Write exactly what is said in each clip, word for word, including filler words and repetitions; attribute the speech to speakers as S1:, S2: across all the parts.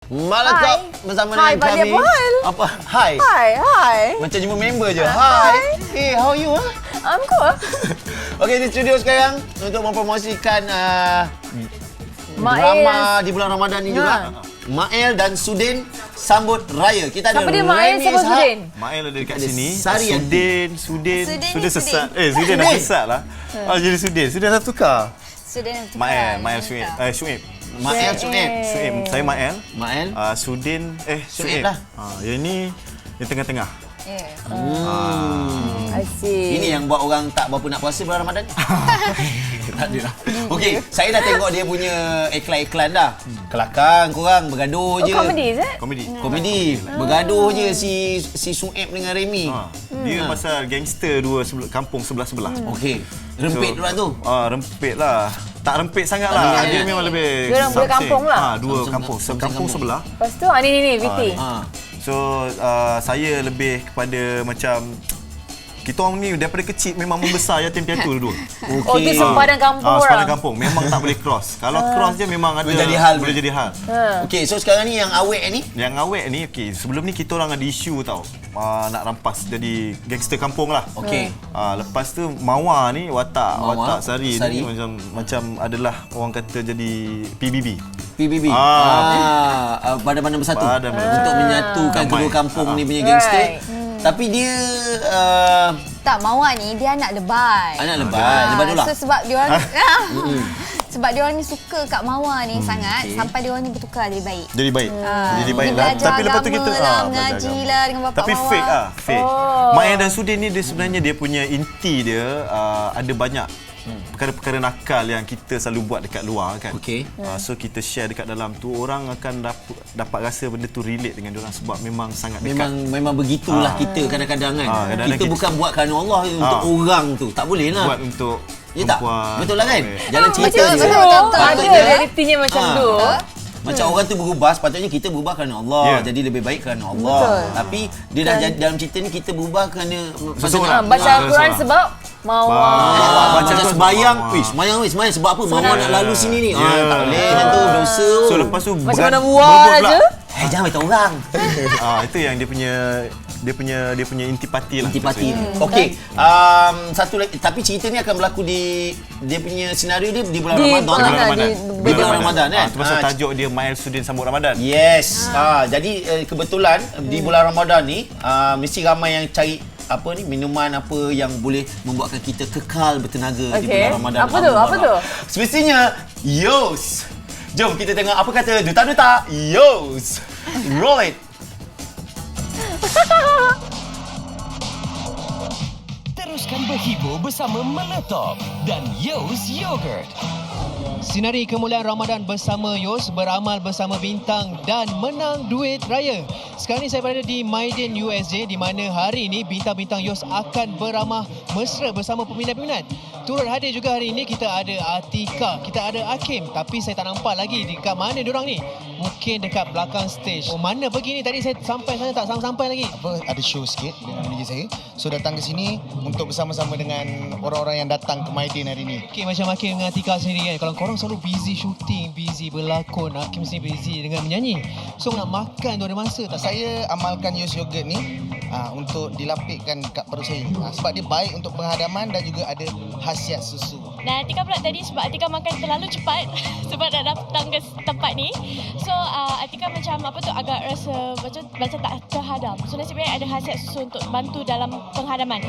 S1: Malatop bersama
S2: Hai,
S1: dengan kami.
S2: Fadil.
S1: Apa? Hai.
S2: Hai, hai.
S1: Macam jumpa member je. Hai. Hey, how are you? Huh?
S2: I'm cool.
S1: Okey, di studio sekarang untuk mempromosikan uh,
S2: Mael.
S1: drama di bulan Ramadan ni
S2: Ha.
S1: juga. Mael dan Sudin sambut raya. Kita ada
S2: Siapa dia Mael,
S1: Remy
S2: siapa
S1: Ishak.
S2: Sudin?
S3: Mael ada dekat
S1: Ada
S3: sini.
S1: Sari
S3: Sudin, Sudin,
S4: Sudin
S3: Sudin
S4: ni
S3: sesat.
S4: Sudin.
S3: Eh, Sudin dah
S1: Sudin.
S3: sesat lah. Oh, jadi Sudin. Sudin dah tukar.
S4: Sudah nak tukar.
S3: Mael, Mael Syuib. Eh, Syuib.
S1: Mael Suib.
S3: Syuib. Saya Mael.
S1: Mael.
S3: Uh, Sudin, eh
S1: Syuib
S3: Syuib.
S1: lah.
S3: Ah, yang ni di tengah-tengah.
S4: Yeah.
S1: Hmm.
S2: I see.
S1: Ini yang buat orang tak berapa nak puasa bulan Ramadan. Tak ada lah. Okey, saya dah tengok dia punya iklan-iklan dah. Kelakar korang bergaduh
S2: Oh,
S1: je.
S2: comedy is it?
S3: Komedi.
S1: Komedi. Bergaduh je si si Suib dengan Remy.
S3: Ha. Dia pasal gangster dua sebel- kampung sebelah-sebelah.
S1: Okey. Rempit pula tu.
S3: Ah, rempit lah. Tak rempit sangat lah.
S1: Rempit.
S3: Dia memang lebih
S2: Dia orang dua
S3: something.
S2: kampung lah.
S3: Ah, dua
S1: Something-
S3: kampung.
S1: something
S3: Kampung
S1: kampung.
S3: sebelah.
S2: Lepas tu, ah, ni, ni, ni, Viti.
S1: Ha.
S3: So uh, saya lebih kepada macam kita orang ni daripada kecil memang membesar yatim piatu dua.
S2: Oh, tu sempadan kampung
S3: Ah,
S2: orang.
S3: sempadan kampung. Memang tak boleh cross. Kalau cross je memang ada
S1: Boleh jadi hal.
S3: Boleh jadi hal.
S2: Ha.
S1: Okey, so sekarang ni yang awet ni.
S3: Yang awet ni okey, sebelum ni kita orang ada isu tau. Uh, nak rampas jadi gangster kampung lah.
S1: Okey.
S3: Uh, lepas tu Mawar ni watak
S1: Mawar,
S3: watak Sari,
S1: Sari.
S3: ni macam macam adalah orang kata jadi P B B.
S1: P B B.
S3: Ah.
S1: Ah, ah, badan-badan bersatu.
S3: Badan-badan
S1: Untuk
S3: bersatu.
S1: menyatukan
S3: Damai.
S1: kedua kampung
S3: Ah.
S1: ni punya gangster.
S2: Right.
S1: Tapi dia uh,
S4: Tak, Mawar ni dia anak lebay.
S1: anak lebat,
S4: Ah,
S1: lebat dulu lah.
S4: So sebab dia orang sebab dia orang ni suka kat Mawar ni sangat
S1: okey.
S4: sampai dia orang ni bertukar jadi baik.
S3: Jadi baik.
S4: Ah,
S3: Jadi
S4: dia
S3: baik lah.
S4: belajar
S3: Tapi lepas tu
S4: agama
S3: kita
S4: lah,
S3: ah,
S4: mengaji
S3: belajar agama.
S4: lah dengan bapak
S3: Tapi
S4: Mawar.
S3: fake ah, fake.
S2: Oh.
S3: Maya dan Sudin ni dia sebenarnya dia punya inti dia uh, ada banyak perkara-perkara nakal yang kita selalu buat dekat luar kan.
S1: Okey.
S3: Uh, so kita share dekat dalam tu, orang akan dapat dapat rasa benda tu relate dengan dia orang sebab memang sangat dekat.
S1: Memang memang begitulah
S3: Ah.
S1: kita kadang-kadang kan.
S3: Ah, kadang-kadang
S1: kita
S3: kita-
S1: bukan buat kerana Allah untuk
S3: Ah.
S1: orang tu. Tak boleh lah.
S3: Buat untuk
S1: Ya tak?
S3: perempuan.
S1: Betul lah kan?
S3: boleh.
S1: Jalan cerita
S2: Macam
S1: je.
S2: tu.
S4: betul, betul.
S2: Ada
S1: Patutnya-
S2: realitinya macam
S1: Ah.
S2: tu.
S1: Macam orang tu berubah, sepatutnya kita berubah kerana Allah.
S3: Ya.
S1: Jadi lebih baik kerana Allah.
S2: Betul.
S1: Tapi dia dah jadi dalam cerita ni kita berubah kerana
S3: Seseorang.
S2: Ah, baca
S3: Ah,
S2: Al-Quran
S3: seorang.
S2: sebab Mawar.
S1: Ah,
S3: Ah,
S1: macam
S3: baca
S1: sembayang,
S3: tu.
S1: wih, sembayang wih, sembayang sebab apa? Mama nak lalu sini ni. Ah,
S3: Ya.
S1: tak boleh macam tu, dosa.
S3: So lepas tu
S2: Macam
S3: beran-
S2: mana
S3: berebut
S2: buat
S3: pula.
S2: je.
S1: Eh, jangan beritahu orang.
S3: Ah, itu yang dia punya dia punya dia punya intipati lah.
S1: Intipati.
S3: maksudnya.
S1: Okey, um, satu lagi, tapi cerita ni akan berlaku di dia punya senario dia di bulan
S2: Di
S1: Ramadan.
S2: bulan
S3: Bulan Ramadan.
S2: di-
S1: Di bulan Ramadan kan?
S3: Ah, tu pasal
S1: Ah,
S3: tajuk dia Mael Sudin sambut Ramadan.
S1: Yes. Ah. jadi eh, kebetulan di bulan Ramadan ni ah, mesti ramai yang cari apa ni minuman apa yang boleh membuatkan kita kekal bertenaga di
S2: Okey.
S1: bulan Ramadan.
S2: Apa tu? Apa tu?
S1: Semestinya Yos. Jom kita tengok apa kata duta-duta Yos. Roll it.
S5: Teruskan berhibur bersama Malatop dan Yos Yogurt.
S6: Sinari kemuliaan Ramadan bersama Yos, beramal bersama bintang dan menang duit raya. Sekarang ni saya berada di Maiden U S J di mana hari ini bintang-bintang Yos akan beramah mesra bersama peminat-peminat. Turut hadir juga hari ini kita ada Atika, kita ada Hakim, tapi saya tak nampak lagi dekat mana diorang ni. Mungkin dekat belakang stage. Oh, mana pergi ni? Tadi saya sampai sana tak sampai-sampai lagi.
S7: apa ada show sikit dengan manager saya. So datang ke sini untuk bersama-sama dengan orang-orang yang datang ke Maiden hari ini.
S6: Okay, macam Hakim dengan Atika sendiri kan, kalau korang selalu busy shooting, busy berlakon, Hakim sendiri busy dengan menyanyi. So nak makan tu ada masa tak?
S7: Saya amalkan Yos Yogurt ni aa, untuk dilapikkan kat perut saya. Aa, sebab dia baik untuk penghadaman dan juga ada khasiat susu.
S8: Dan Atika pula tadi sebab Atika makan terlalu cepat sebab nak datang ke tempat ni. So uh, Atika macam apa tu agak rasa macam macam tak terhadam. So nasib baik ada khasiat susu untuk bantu dalam penghadaman.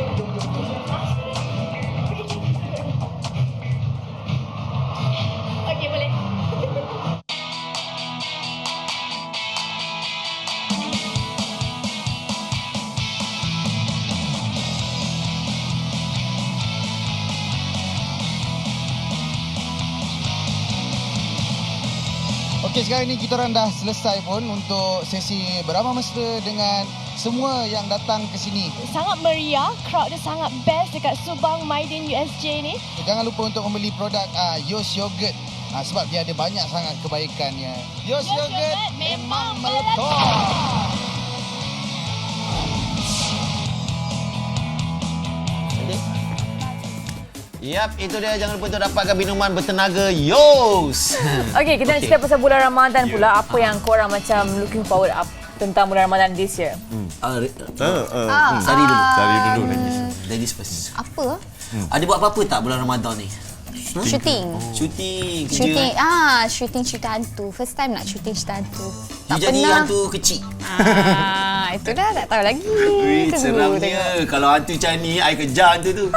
S8: Okey, boleh.
S7: Okey, sekarang ni kita orang dah selesai pun untuk sesi beramal mesra dengan semua yang datang ke sini.
S8: Sangat meriah, crowd dia sangat best dekat Subang Maiden U S J ni.
S7: Jangan lupa untuk membeli produk aa, Yos Yogurt aa, sebab dia ada banyak sangat kebaikannya. Yos,
S8: Yos
S7: Yogurt
S8: Yogurt
S7: memang
S8: memang
S7: meletup.
S1: Yap, itu dia. Jangan lupa untuk dapatkan minuman bertenaga Yos.
S2: Okey, kita nak
S1: Okey.
S2: cerita pasal bulan Ramadan pula. Apa yang korang macam looking forward up tentang bulan Ramadan this year?
S1: Ah, re-
S3: Uh, uh,
S4: Ah,
S3: hmm.
S1: Sari dulu.
S3: Sari dulu lagi.
S1: Ladies first.
S4: Apa?
S1: Ada buat apa-apa tak bulan Ramadan ni?
S4: Shooting.
S1: Syuting, kerja.
S4: Shooting. Ah, shooting cerita hantu. First time nak shooting cerita hantu.
S1: You
S4: Tak
S1: jadi
S4: pernah.
S1: hantu kecil.
S4: Ah, itu dah tak tahu lagi.
S1: Wih,
S4: Tunggu, tengok.
S1: seramnya. Kalau hantu macam ni, I kejar hantu tu.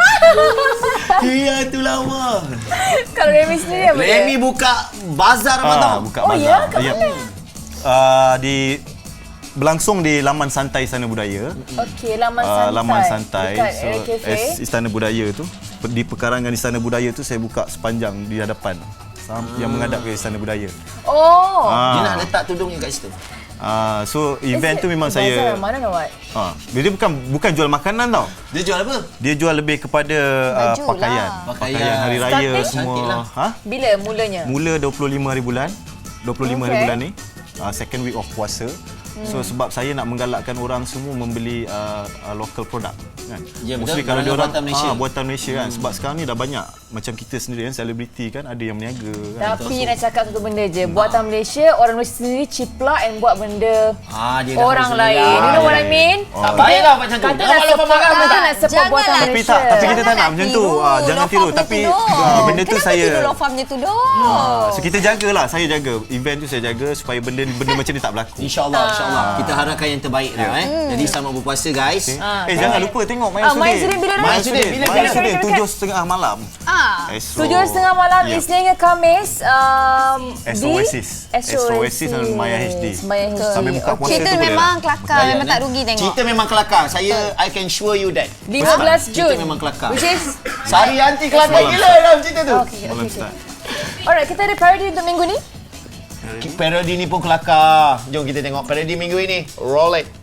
S1: Hei, hantu lama.
S2: Kalau Remy sendiri apa dia?
S1: Remy buka bazar
S3: Ah,
S1: Ramadan.
S3: buka
S2: Oh,
S3: bazar.
S2: ya? Kat
S3: Yep.
S2: mana?
S3: Uh, di berlangsung di Laman Santai Istana Budaya.
S2: Okey, Laman
S3: Uh,
S2: Santai.
S3: Laman Santai.
S2: Dekat
S3: So,
S2: Area Cafe.
S3: as Istana Budaya tu, di pekarangan Istana Budaya tu saya buka sepanjang di hadapan sam- yang menghadap ke Istana Budaya.
S2: Oh.
S1: Dia
S3: Ah.
S1: nak letak tudungnya kat situ.
S3: Ah, so event tu memang
S2: Bazar
S3: saya
S2: Ramadan or what?
S3: ha, dia bukan bukan jual makanan tau.
S1: Dia jual apa?
S3: Dia jual lebih kepada uh,
S4: Baju
S3: pakaian.
S4: lah.
S1: Pakaian.
S3: hari raya
S2: Starting?
S3: semua.
S1: Cantik lah.
S3: Ha?
S2: Bila mulanya?
S3: Mula dua puluh lima hari bulan. dua puluh lima hari
S2: Okay.
S3: bulan ni. Uh, second week of puasa. So sebab saya nak menggalakkan orang semua membeli uh, uh, local product kan.
S1: Ya,
S3: Mostly
S1: betul.
S3: kalau dia orang
S1: Buatan Malaysia.
S3: ah, buatan Malaysia kan. Sebab sekarang ni dah banyak macam kita sendiri kan selebriti kan ada yang berniaga kan.
S2: Tapi nak cakap satu benda je. Buatan Malaysia, orang Malaysia sendiri ciplak and buat benda
S1: Ah, dia dah
S2: orang
S1: harus
S2: lain.
S1: beli.
S2: You know what I
S1: Ah,
S2: mean?
S1: Tak baiklah macam tu.
S2: Kata
S1: Jangan
S2: nak
S1: lupa
S2: support,
S1: makan
S2: kata
S1: tak?
S2: nak support
S4: Janganlah.
S2: buatan
S3: Tapi
S2: Malaysia.
S3: tak, tapi kita tak
S4: Jangan
S3: nak macam tu.
S4: tiru
S3: Ah, jangan
S4: law
S3: tiru
S4: farm dia
S3: tapi
S4: tu, Dor.
S3: ah, benda tu
S4: Kenapa
S3: saya
S4: tiru law farm dia tu, Dor?
S3: Ah, so kita jagalah, saya jaga. Event tu saya jaga supaya benda benda macam ni tak berlaku.
S1: InsyaAllah, insyaAllah. Kita harapkan yang terbaik lah eh. Jadi selamat berpuasa guys.
S3: Okay.
S2: Ah,
S3: eh jangan lupa tengok Maya
S2: Ah,
S3: Sudin.
S2: Maya Sudin bila dah?
S3: Maya
S1: Maya Sudin,
S3: Sudin.
S1: bila,
S3: Maya
S1: bila?
S3: Sudin
S2: Dekat-
S3: tujuh setengah malam.
S4: Ah.
S3: Astro.
S2: Tujuh setengah malam,
S3: Ya.
S2: Isnin hingga Khamis. Um,
S3: Astro
S2: di
S3: Oasis. Astro Oasis dan Maya H D.
S2: Maya H D.
S3: Sambil buka puasa
S4: Cerita
S3: tu boleh
S4: memang
S3: lah.
S4: kelakar. Memang tak rugi tengok.
S1: Cerita memang kelakar. Saya I can assure you that.
S2: lima belas
S1: Cerita
S2: Jun.
S1: memang kelakar.
S2: Which is...
S1: Sari anti kelakar
S3: Semalam
S1: gila dalam cerita tu.
S2: Okay,
S3: Malam
S2: okay, okay.
S3: start.
S2: Alright, kita ada parody untuk minggu ni.
S1: Parody ni pun kelakar. Jom kita tengok parody minggu ini. Roll it.